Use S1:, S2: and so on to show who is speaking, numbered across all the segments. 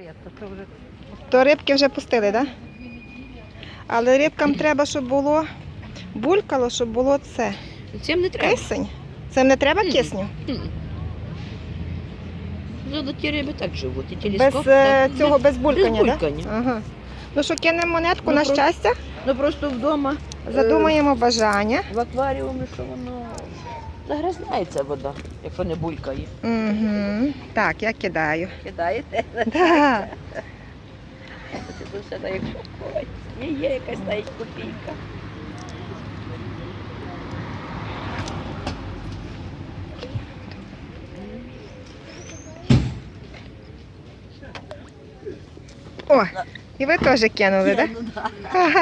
S1: То рибки вже пустили, так? Да? Але рибкам треба, щоб було булькало, щоб було це.
S2: Цим не треба.
S1: Кисень. Цим не треба кисню?
S2: Ну, ті риби так живуть. І
S1: Без цього, без булькання,
S2: без
S1: так?
S2: булькання.
S1: Да? Ага. Ну що, кинемо монетку
S2: Ну,
S1: на щастя?
S2: Ну просто вдома
S1: Задумаємо бажання.
S2: в акваріумі, що воно загрязняється вода, якщо не булькає.
S1: Угу. Так, я кидаю.
S2: Кидаєте?
S1: Да.
S2: Це тут все так, як шоколадь. Є якась навіть копійка.
S1: О, і ви теж кинули, так?
S2: Ну, да.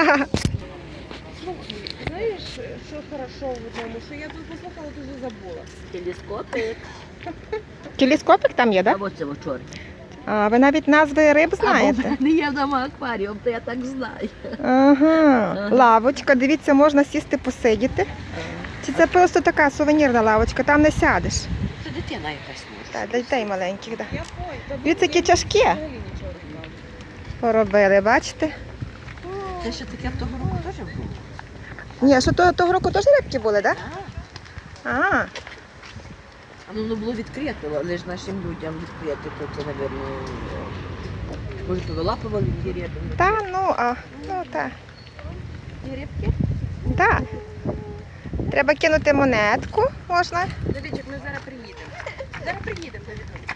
S3: Знаєш, що хорошо в тому, що я тут послухала, тут вже забула.
S2: Телескопи.
S1: Телескопик там є,
S2: А
S1: так?
S2: ось це чорне.
S1: А ви навіть назви риб знаєте?
S2: Або не є вдома акваріум, то я так знаю.
S1: Ага. Лавочка, дивіться, можна сісти посидіти. Чи це просто така сувенірна лавочка, там не сядеш.
S2: Це дитина якась може.
S1: Так, дітей маленьких, так.
S3: Я понял.
S1: Дивіться, які тяжкі
S3: Взагалі нічого не знала.
S1: поробили, бачите?
S2: Це ще таке в того року теж було.
S1: Ні, що того року теж рибки були, так? А,
S2: А воно було відкрите, але ж нашим людям відкрити, то це, мабуть, може повилапували ті риби.
S1: та.
S2: Ті рибки?
S1: Так. Треба кинути монетку, можна.
S3: Давідчик, ми зараз приїдемо. Зараз приїдемо, Давід.